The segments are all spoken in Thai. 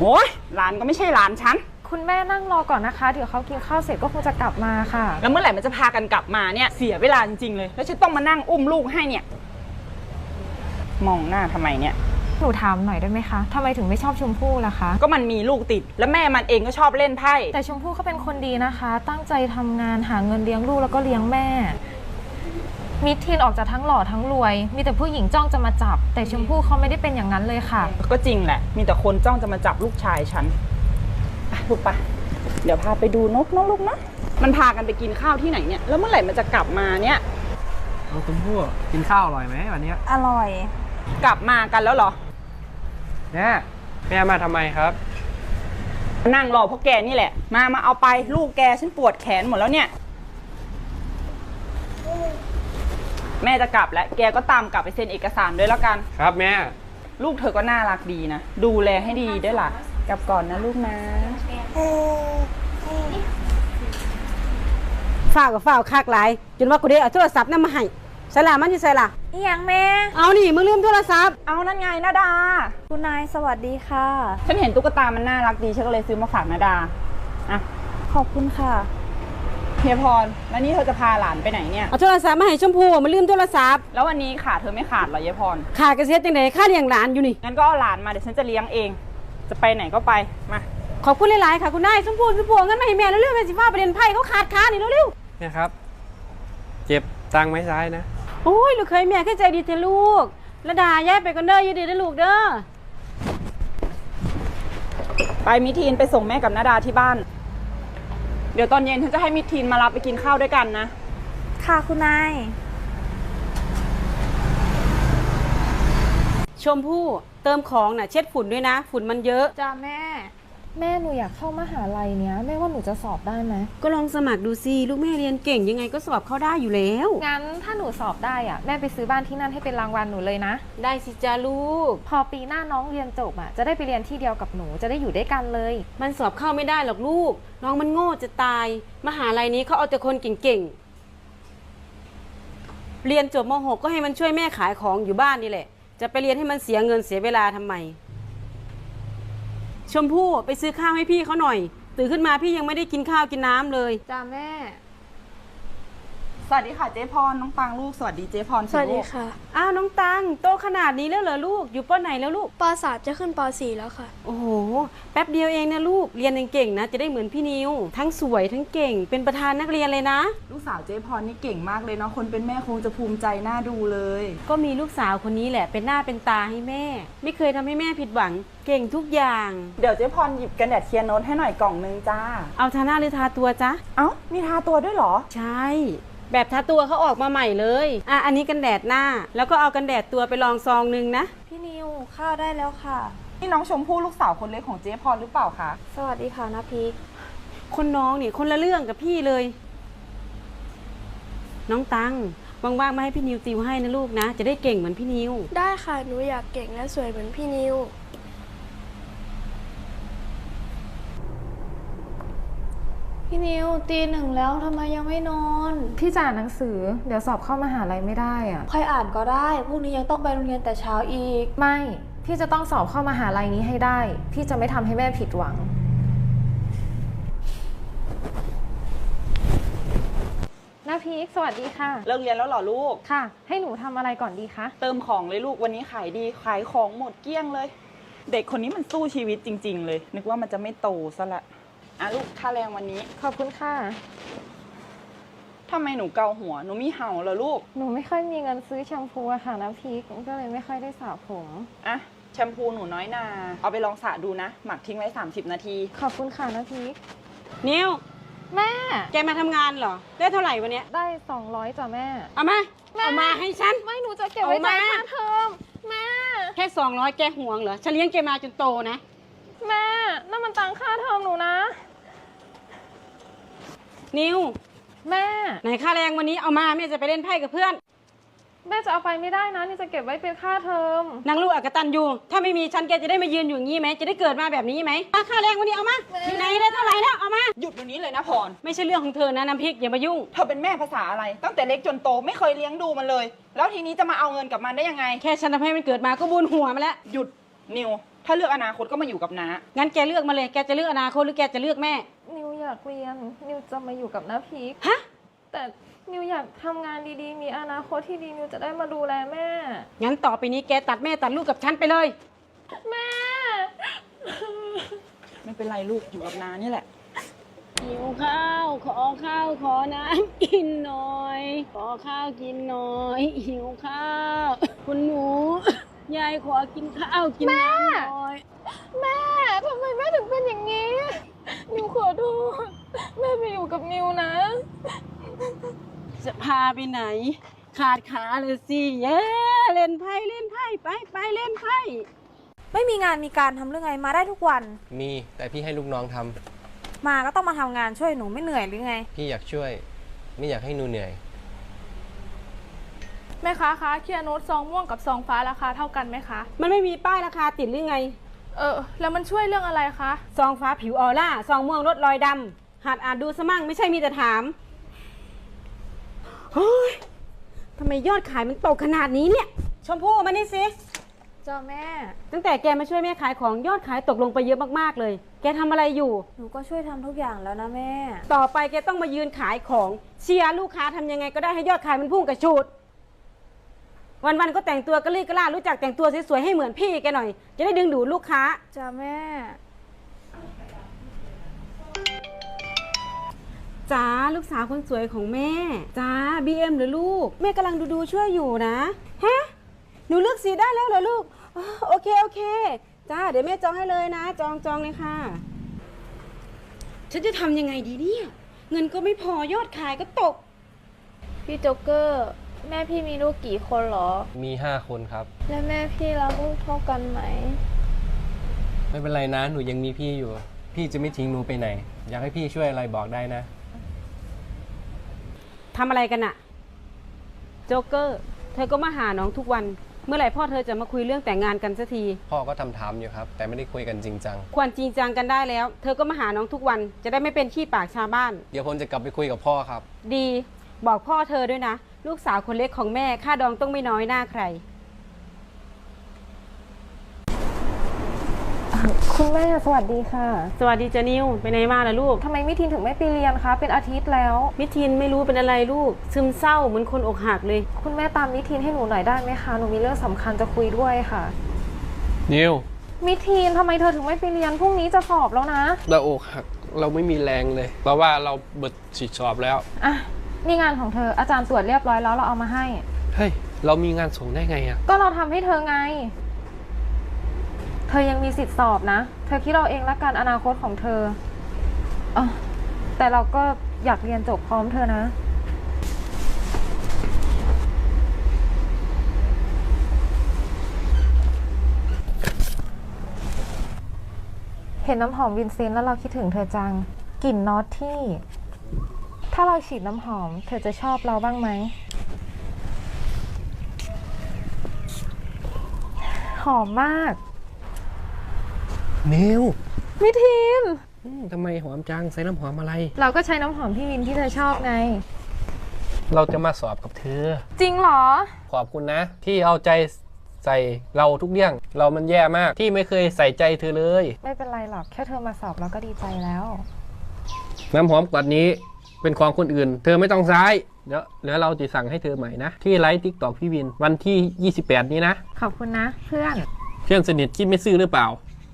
โอ้ยหลานก็ไม่ใช่หลานฉันคุณแม่นั่งรอก่อนนะคะเดี๋ยวเขากินข้าวเสร็จก็คงจะกลับมาค่ะแล้วเมื่อไหร่มันจะพากันกลับมาเนี่ยเสียเวลาจริงๆเลยแล้วฉันต้องมานั่งอุ้มลูกให้เนี่ยมองหน้าทำไมเนี่ยหนูถามหน่อยได้ไหมคะทำไมถึงไม่ชอบชมพู่ล่ะคะก็มันมีลูกติดแล้วแม่มันเองก็ชอบเล่นไพ่แต่ชมพู่เขาเป็นคนดีนะคะตั้งใจทำงานหาเงินเลี้ยงลูกแล้วก็เลี้ยงแม่มิทีนออกจากทั้งหล่อทั้งรวยมีแต่ผู้หญิงจ้องจะมาจับแต่ชมพู่เขาไม่ได้เป็นอย่างนั้นเลยค่ะก็จริงแหละมีแต่คนจ้องจะมาจับลูกชายฉันลูกปะเดี๋ยวพาไปดูนกนะลูกนะมันพากันไปกินข้าวที่ไหนเนี่ยแล้วเมื่อไหร่มันจะกลับมาเนี่ยน้องชมพู่กินข้าวอร่อยไหมวันนี้อร่อยกลับมากันแล้วเหรอแม่มาทำไมครับนั่งรอพวกแกนี่แหละมาเอาไปลูกแกฉันปวดแขนหมดแล้วเนี่ยแม่จะกลับแล้วแกก็ตามกลับไปเซ็นเอกสารด้วยแล้วกันครับแม่ลูกเธอก็น่ารักดีนะดูแลให้ดีด้วยล่ะกลับก่อนนะลูกนะฝ้าวกับฝ้าวคากหลายจนว่ากูได้เอาโทรศัพท์นั่นมาให้ใส่ละมันอยู่ใส่ละอีหยังแม่เอานี่มึงลืมโทรศัพท์เอานั่นไงนาดาคุณนายสวัสดีค่ะฉันเห็นตุ๊กตามันน่ารักดีฉันก็เลยซื้อมาฝากนาดาอ่ะขอบคุณค่ะเฮียพรแล้วนี่เธอจะพาหลานไปไหนเนี่ยเอาโทรศัพท์มาให้ชมพู่มันลืมโทรศัพท์แล้ววันนี้ขาเธอไม่ขาดเหรอเฮียพรขาดกระเซ็ดจังไดค่าเลี้ยงหลานอยู่นี่งั้นก็เอาหลานมาเดี๋ยวฉันจะเลี้ยงเองจะไปไหนก็ไปมาขอบคุณหลายๆค่ะคุณนายชมพู่งั้นมาให้แม่เร็วๆแม่สิฟ้าประเด็นไพ่เขาขาดขานี่เร็วๆเนี่ยครับเจ็บตังไม้ซ้ายนะโอ้ยลูกเคยแม่แค่ใจดีเถอะลูกระดาย้ายไปกันเด้อยืดดีนะลูกเด้อไปมิทีนไปส่งแม่กับนาดาที่บ้านเดี๋ยวตอนเย็นฉันจะให้มิทีนมารับไปกินข้าวด้วยกันนะค่ะคุณนายชมพู่เติมของน่ะเช็ดฝุ่นด้วยนะฝุ่นมันเยอะจ้าแม่หนูอยากเข้ามหาลัยเนี้ยแม่ว่าหนูจะสอบได้ไหมก็ลองสมัครดูสิลูกแม่เรียนเก่งยังไงก็สอบเข้าได้อยู่แล้วงั้นถ้าหนูสอบได้อ่ะแม่ไปซื้อบ้านที่นั่นให้เป็นรางวัลหนูเลยนะได้สิจ้าลูกพอปีหน้าน้องเรียนจบอ่ะจะได้ไปเรียนที่เดียวกับหนูจะได้อยู่ด้วยกันเลยมันสอบเข้าไม่ได้หรอกลูกน้องมันโง่จะตายมหาลัยนี้เขาเอาแต่คนเก่งๆเรียนจบม.6 ก็ให้มันช่วยแม่ขายของอยู่บ้านนี่แหละจะไปเรียนให้มันเสียเงินเสียเวลาทำไมชมพู่ไปซื้อข้าวให้พี่เขาหน่อยตื่นขึ้นมาพี่ยังไม่ได้กินข้าวกินน้ำเลยจ้าแม่สวัสดีค่ะเจ๊พรน้องตังลูกสวัสดีเจ๊พรสวัสดีค่ะอ้าวน้องตังโตขนาดนี้แล้วเหรอลูกอยู่ป.ไหนแล้วลูกป.3จะขึ้นป.4แล้วค่ะโอ้โหแป๊บเดียวเองนะลูกเรียนเก่งๆนะจะได้เหมือนพี่นิวทั้งสวยทั้งเก่งเป็นประธานนักเรียนเลยนะลูกสาวเจ๊พรนี่เก่งมากเลยเนาะคนเป็นแม่คงจะภูมิใจน่าดูเลยก็มีลูกสาวคนนี้แหละเป็นหน้าเป็นตาให้แม่ไม่เคยทำให้แม่ผิดหวังเก่งทุกอย่างเดี๋ยวเจ๊พรหยิบกันแดดเทียนโน้ตให้หน่อยกล่องนึงจ้าเอาทาหน้าหรือทาตัวจ๊ะเอ้ามีทาตัวด้วยเหรอใช่แบบทาตัวเขาออกมาใหม่เลยอันนี้กันแดดหน้าแล้วก็เอากันแดดตัวไปลองซองนึงนะพี่นิวข้าวได้แล้วค่ะนี่น้องชมพู่ลูกสาวคนเล็กของเจ๊พรหรือเปล่าคะสวัสดีค่ะนะพีคคนน้องนี่คนละเรื่องกับพี่เลยน้องตังว่างๆมาให้พี่นิวติวให้นะลูกนะจะได้เก่งเหมือนพี่นิวได้ค่ะหนูอยากเก่งและสวยเหมือนพี่นิวพี่นิวตี 1แล้วทำไมยังไม่นอนพี่จะอ่านหนังสือเดี๋ยวสอบเข้ามหาลัยไม่ได้อ่ะค่อยอ่านก็ได้พรุ่งนี้ยังต้องไปโรงเรียนแต่เช้าอีกไม่พี่จะต้องสอบเข้ามหาลัยนี้ให้ได้พี่จะไม่ทำให้แม่ผิดหวังน้าพีคสวัสดีค่ะเลิกเรียนแล้วเหรอลูกค่ะให้หนูทำอะไรก่อนดีคะเติมของเลยลูกวันนี้ขายดีขายของหมดเกลี้ยงเลยเด็กคนนี้มันสู้ชีวิตจริงๆเลยนึกว่ามันจะไม่โตซะละลูกค่าแรงวันนี้ขอบคุณค่ะทำไมหนูเกาหัวหนูมีเห่าเหรอลูกหนูไม่ค่อยมีเงินซื้อแชมพูอะค่ะน้ำพริกก็เลยไม่ค่อยได้สระผมแชมพูหนูน้อยนาเอาไปลองสระดูนะหมักทิ้งไว้30 นาทีขอบคุณค่ะน้ำพริกนิวแม่แกมาทำงานเหรอได้เท่าไหร่วันนี้ได้200จ้ะแม่เอามาให้ฉันไม่หนูจะเก็บไว้จ่ายค่าเทอมแม่แค่200แกห่วงเหรอฉันเลี้ยงแกมาจนโตนะแม่นั่นมันตังค่าเทอมหนูนะนิวแม่ไหนค่าแรงวันนี้เอามาแม่จะไปเล่นไพ่กับเพื่อนแม่จะเอาไปไม่ได้นะนี่จะเก็บไว้เป็นค่าเทอมนางลูกอกตันอยู่ถ้าไม่มีฉันแกจะได้มายืนอยู่อย่างนี้ไหมจะได้เกิดมาแบบนี้ไหมค่าแรงวันนี้เอามาอยู่ไหนได้เท่าไหร่แล้วเอามาหยุดวันนี้เลยนะพรไม่ใช่เรื่องของเธอนะน้ำพริกอย่ามายุ่งเธอเป็นแม่ภาษาอะไรตั้งแต่เล็กจนโตไม่เคยเลี้ยงดูมันเลยแล้วทีนี้จะมาเอาเงินกับมันได้ยังไงแค่ฉันทำให้มันเกิดมาก็บุญหัวมาแล้วหยุดนิวถ้าเลือกอนาคตก็มาอยู่กับน้างั้นแกเลือกมาเลย แกจะเลือกอนาคตหรือแกจะเลือกแม่นิวอยากเรียน นิวจะมาอยู่กับน้าพีคฮะแต่นิวอยากทำงานดีๆ มีอนาคตที่ดีนิวจะได้มาดูแลแม่งั้นต่อไปนี้แกตัดแม่ตัดลูกกับฉันไปเลยแม่ไม่เป็นไรลูกอยู่กับน้านี่แหละหิวข้าว ขอข้าว ขอน้ำกินหน่อย ขอข้าวกินหน่อย หิวข้าว คุณหนู ยายขอกินข้าวกินน้ำหน่อยแม่ทำไมแม่ถึงเป็นอย่างนี้ นิวขอโทษแม่ไปอยู่กับนิวนะจะพาไปไหน ขาดขาเลยสิเย้เล่นไพ่เล่นไพ่ไปเล่นไพ่ไม่มีงานมีการทำเรื่องไงมาได้ทุกวันมีแต่พี่ให้ลูกน้องทำมาก็ต้องมาทำงานช่วยหนูไม่เหนื่อยหรือไงพี่อยากช่วย ไม่อยากให้หนูเหนื่อยแม่ค้าคะเคลียร์โน้ตซองม่วงกับซองฟ้าราคาเท่ากันไหมคะมันไม่มีป้ายราคาติดหรือไงแล้วมันช่วยเรื่องอะไรคะซองฟ้าผิวออร่า ซองม่วงลดรอยดำหัดอ่านดูสมั่งไม่ใช่มีแต่ถาม เฮ้ยทำไมยอดขายมันตกขนาดนี้เนี่ย ชมพู่มานี่สิเจ้าแม่ตั้งแต่แกมาช่วยแม่ขายของยอดขายตกลงไปเยอะมากๆเลย แกทำอะไรอยู่หนูก็ช่วยทำทุกอย่างแล้วนะแม่ต่อไปแกต้องมายืนขายของเชียร์ลูกค้าทำยังไงก็ได้ให้ยอดขายมันพุ่งกระชูด วันๆก็แต่งตัวกระลี่กระล่ารู้จักแต่งตัวสวยๆให้เหมือนพี่แกหน่อย จะได้ดึงดูดลูกค้าจ้าแม่จ้าลูกสาวคนสวยของแม่จ้า BM หรือลูก แม่กำลังดูช่วยอยู่นะฮะหนูเลือกสีได้แล้วเหรอลูกอ๋อโอเคจ้าเดี๋ยวแม่จองให้เลยนะจองเลยค่ะ ฉันจะทำยังไงดีเนี่ยเงินก็ไม่พอยอดขายก็ตกพี่โจ๊กเกอร์ แม่พี่มีลูกกี่คนเหรอมี 5 คนครับและแม่พี่รักลูกเท่ากันไหมไม่เป็นไรนะ หนูยังมีพี่อยู่ พี่จะไม่ทิ้งหนูไปไหน อยากให้พี่ช่วยอะไรบอกได้นะทำอะไรกันอะโจ๊กเกอร์เธอก็มาหาน้องทุกวัน เมื่อไหร่พ่อเธอจะมาคุยเรื่องแต่งงานกันสักทีพ่อก็ถามอยู่ครับ แต่ไม่ได้คุยกันจริงจังควรจริงจังกันได้แล้ว เธอก็มาหาน้องทุกวัน จะได้ไม่เป็นขี้ปากชาวบ้านเดี๋ยวผมจะกลับไปคุยกับพ่อครับดีบอกพ่อเธอด้วยนะ ลูกสาวคนเล็กของแม่ค่าดองต้องไม่น้อยหน้าใครคุณแม่สวัสดีค่ะสวัสดีจ้านิวไปไหนมาล่ะลูกทำไมมิทินถึงไม่ไปเรียนคะ เป็นอาทิตย์แล้วมิทินไม่รู้เป็นอะไรลูก ซึมเศร้าเหมือนคนอกหักเลยคุณแม่ตามมิทินให้หนูหน่อยได้ไหมคะ หนูมีเรื่องสำคัญจะคุยด้วยค่ะนิวมิทินทำไมเธอถึงไม่ไปเรียนพรุ่งนี้จะสอบแล้วนะเราอกหัก เราไม่มีแรงเลย เพราะว่าเราเบิดฉีดสอบแล้วอ่ะ นี่งานของเธออาจารย์ตรวจเรียบร้อยแล้วเราเอามาให้เฮ้ย เรามีงานส่งได้ไงอะก็เราทำให้เธอไง เธอยังมีสิทธิ์สอบนะ เธอคิดเราเองละกันอนาคตของเธอแต่เราก็อยากเรียนจบพร้อมเธอนะ เห็นน้ำหอมวินเซนต์แล้วเราคิดถึงเธอจัง กลิ่นนอตที่ ถ้าเราฉีดน้ำหอม เธอจะชอบเราบ้างไหม หอมมากนิวมิทินทำไมหอมจัง ใส่น้ำหอมอะไรเราก็ใช้น้ำหอมพี่วินที่เธอชอบไงเราจะมาสอบกับเธอจริงเหรอขอบคุณนะ ที่เอาใจใส่เราทุกเรื่อง เรามันแย่มากที่ไม่เคยใส่ใจเธอเลยไม่เป็นไรหรอก แค่เธอมาสอบเราก็ดีใจแล้วน้ำหอมกวดนี้เป็นของคนอื่น เธอไม่ต้องใช้เดี๋ยวเราจะสั่งให้เธอใหม่นะ ที่ไลฟ์ทิกตอกพี่วินวันที่ 28 นี้นะขอบคุณนะเพื่อนเพื่อนสนิทคิดไม่ซื่อหรือเปล่า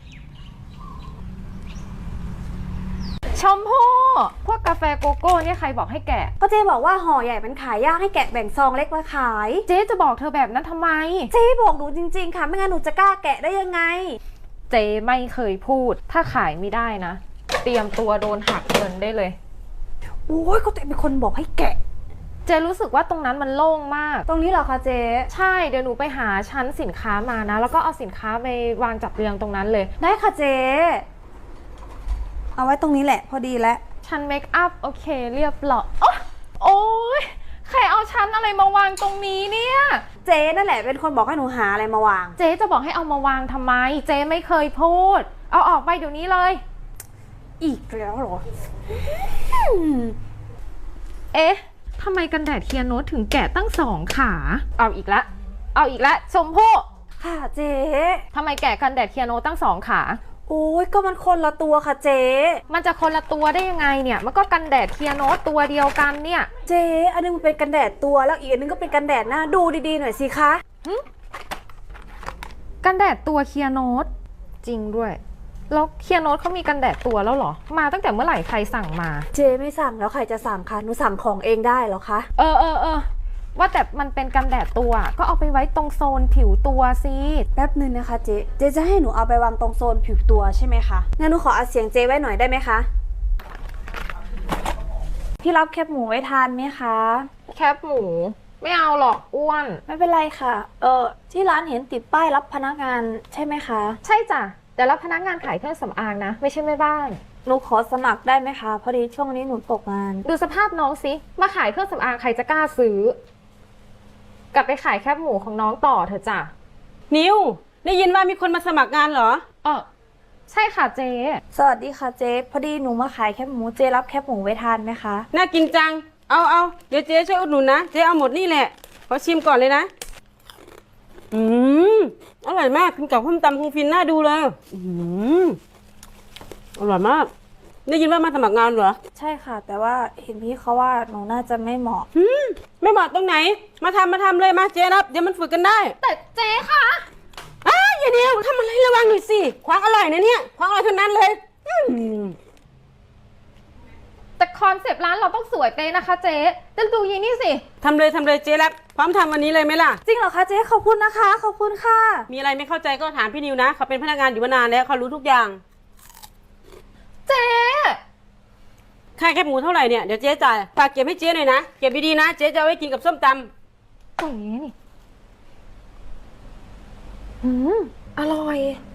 ชมพู่พวกกาแฟโกโก้เนี่ยใครบอกให้แกะก็เจ๊บอกว่าห่อใหญ่มันขายยากให้แกะแบ่งซองเล็กมาขายเจ๊จะบอกเธอแบบนั้นทำไมเจ๊บอกหนูจริงๆค่ะ ไม่งั้นหนูจะกล้าแกะได้ยังไงเจ๊ไม่เคยพูด ถ้าขายไม่ได้นะ เตรียมตัวโดนหักเงินได้เลยโอ้ยก็ตัวเองเป็นคนบอกให้แกะเจ๊รู้สึกว่าตรงนั้นมันโล่งมากตรงนี้เหรอคะเจ๊ใช่เดี๋ยวหนูไปหาชั้นสินค้ามานะ แล้วก็เอาสินค้าไปวางจัดเรียงตรงนั้นเลยได้ค่ะเจ๊เอาไว้ตรงนี้แหละพอดีแล้วชั้นเมคอัพโอเคเรียบร้อยโอ๊ยใครเอาชั้นอะไรมาวางตรงนี้เนี่ยเจ๊นั่นแหละเป็นคนบอกให้หนูหาอะไรมาวางเจ๊จะบอกให้เอามาวางทำไม เจ๊ไม่เคยพูด เอาออกไปเดี๋ยวนี้เลยอีกแล้วเหรอเอ๊ะทำไมกันแดดเคียร์โนตถึงแกะตั้ง2 ขา เอาอีกแล้วชมพู่ค่ะเจ๊ทำไมแกะกันแดดเคียโนตั้ง2 ขาโอ้ยก็มันคนละตัวค่ะเจ๊มันจะคนละตัวได้ยังไงเนี่ย มันก็กันแดดเคียโนตัวเดียวกันเนี่ยเจ๊อันนึงมันเป็นกันแดดตัวแล้วอีกอันนึงก็เป็นกันแดดหน้าดูดีๆหน่อยสิคะกันแดดตัวเคียโนตจริงด้วย แล้วเคียโนตเขามีกันแดดตัวแล้วเหรอ มาตั้งแต่เมื่อไหร่ใครสั่งมาเจ๊ไม่สั่งแล้วใครจะสั่งคะหนูสั่งของเองได้เหรอคะเออ ว่าแต่มันเป็นกันแดดตัวก็เอาไปไว้ตรงโซนผิวตัวสิแป๊บนึงนะคะเจ๊จะให้หนูเอาไปวางตรงโซนผิวตัวใช่ไหมคะงั้นหนูขออัดเสียงเจ๊ไว้หน่อยได้ไหมคะพี่รับแคบหมูไว้ทานไหมคะแคบหมู ไม่เอาหรอกอ้วนไม่เป็นไรค่ะที่ร้านเห็นติดป้ายรับพนักงานใช่ไหมคะใช่จ้ะแต่รับพนักงานขายเครื่องสำอางนะ ไม่ใช่แม่บ้านหนูขอสมัครได้ไหมคะพอดีช่วงนี้หนูตกงานดูสภาพน้องสิมาขายเครื่องสำอางใครจะกล้าซื้อกลับไปขายแคบหมูของน้องต่อเถอะจ้ะนิวได้ยินว่ามีคนมาสมัครงานเหรอใช่ค่ะเจ๊สวัสดีค่ะเจ๊พอดีหนูมาขายแคบหมูเจ๊รับแคบหมูไว้ทานไหมคะน่ากินจัง เอาเดี๋ยวเจ๊ช่วยอุดหนุนนะ เจ๊เอาหมดนี่แหละ ขอชิมก่อนเลยนะ อร่อยมากกินกับข้าวตำคงฟินน่าดูเลยอร่อยมาก ได้ยินว่ามาสมัครงานเหรอใช่ค่ะ แต่ว่าเห็นพี่เขาว่าหนูน่าจะไม่เหมาะไม่เหมาะตรงไหน มาทำเลยมาเจ๊รับ เดี๋ยวมันฝึกกันได้แต่เจ๊ค่ะอย่าเดียวทำอะไรระวังหน่อยสิควางอร่อยนะเนี่ยควางอร่อยเท่านั้นเลยแต่คอนเซปต์ร้านเราต้องสวยเป๊ะนะคะเจ๊แต่ดูยีนี่สิทำเลยเจ๊รับ พร้อมทำวันนี้เลยไหมล่ะจริงเหรอคะเจ๊ขอบคุณนะคะขอบคุณค่ะมีอะไรไม่เข้าใจก็ถามพี่นิวนะ เขาเป็นพนักงานอยู่มานานแล้วเขารู้ทุกอย่างเจ๊ค่าแคบหมูเท่าไหร่เนี่ย เดี๋ยวเจ๊จ่าย ฝากเก็บให้เจ๊หน่อยนะ เก็บดีๆนะ เจ๊จะเอาไว้กินกับส้มตำเจ๊นี่อร่อย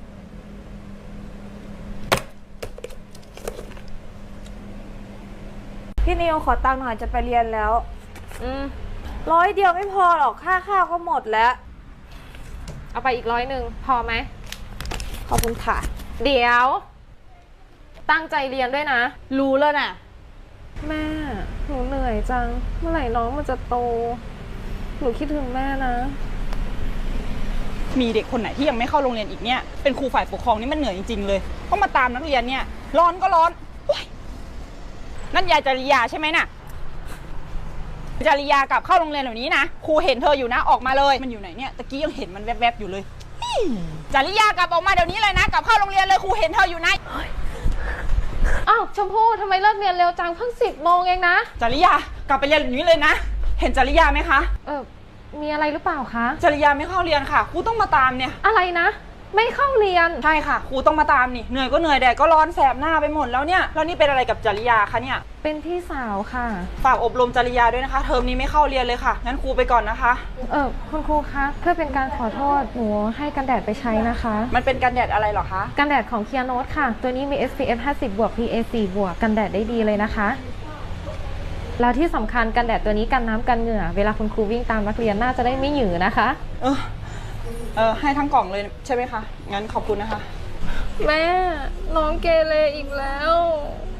พี่นิวขอตังค์หน่อยจะไปเรียนแล้ว100 เดียวไม่พอหรอกค่าข้าวก็หมดแล้วเอาไปอีก100พอไหมขอบคุณค่ะเดี๋ยว ตั้งใจเรียนด้วยนะรู้แล้วน่ะแม่ หนูเหนื่อยจัง เมื่อไหร่น้องมันจะโต หนูคิดถึงแม่นะมีเด็กคนไหนที่ยังไม่เข้าโรงเรียนอีกเนี่ย เป็นครูฝ่ายปกครองนี่มันเหนื่อยจริงๆเลยต้องมาตามนักเรียนเนี่ย ร้อนก็ร้อนโอ๊ยนั่นยายจริยาใช่ไหมน่ะ จริยากลับเข้าโรงเรียนเดี๋ยวนี้นะ ครูเห็นเธออยู่นะ ออกมาเลย มันอยู่ไหนเนี่ย ตะกี้ยังเห็นมันแวบๆอยู่เลยจริยากลับออกมาเดี๋ยวนี้เลยนะ กลับเข้าโรงเรียนเลย ครูเห็นเธออยู่นะอ้าวชมพู่ทำไมเลิกเรียนเร็วจังเพิ่ง10 โมงเองนะจริยากลับไปเรียนแบบนี้เลยนะ เห็นจริยาไหมคะมีอะไรหรือเปล่าคะจริยาไม่เข้าเรียนค่ะ ครูต้องมาตามเนี่ยอะไรนะ ไม่เข้าเรียนใช่ค่ะ ครูต้องมาตามนี่ เหนื่อยก็เหนื่อยแดดก็ร้อนแสบหน้าไปหมดแล้วเนี่ย แล้วนี่เป็นอะไรกับจริยาคะเนี่ยเป็นพี่สาวค่ะฝากอบรมจริยาด้วยนะคะ เทอมนี้ไม่เข้าเรียนเลยค่ะ งั้นครูไปก่อนนะคะคุณครูคะ เพื่อเป็นการขอโทษหนูให้กันแดดไปใช้นะคะมันเป็นกันแดดอะไรเหรอคะกันแดดของเคียโนตค่ะ ตัวนี้มี SPF 50 บวก PA 4 บวก กันแดดได้ดีเลยนะคะ แล้วที่สำคัญกันแดดตัวนี้กันน้ำกันเหงื่อ เวลาคุณครูวิ่งตามนักเรียนน่าจะได้ไม่หยือนะคะให้ทั้งกล่องเลยใช่ไหมคะ งั้นขอบคุณนะคะแม่ น้องเกเรอีกแล้ว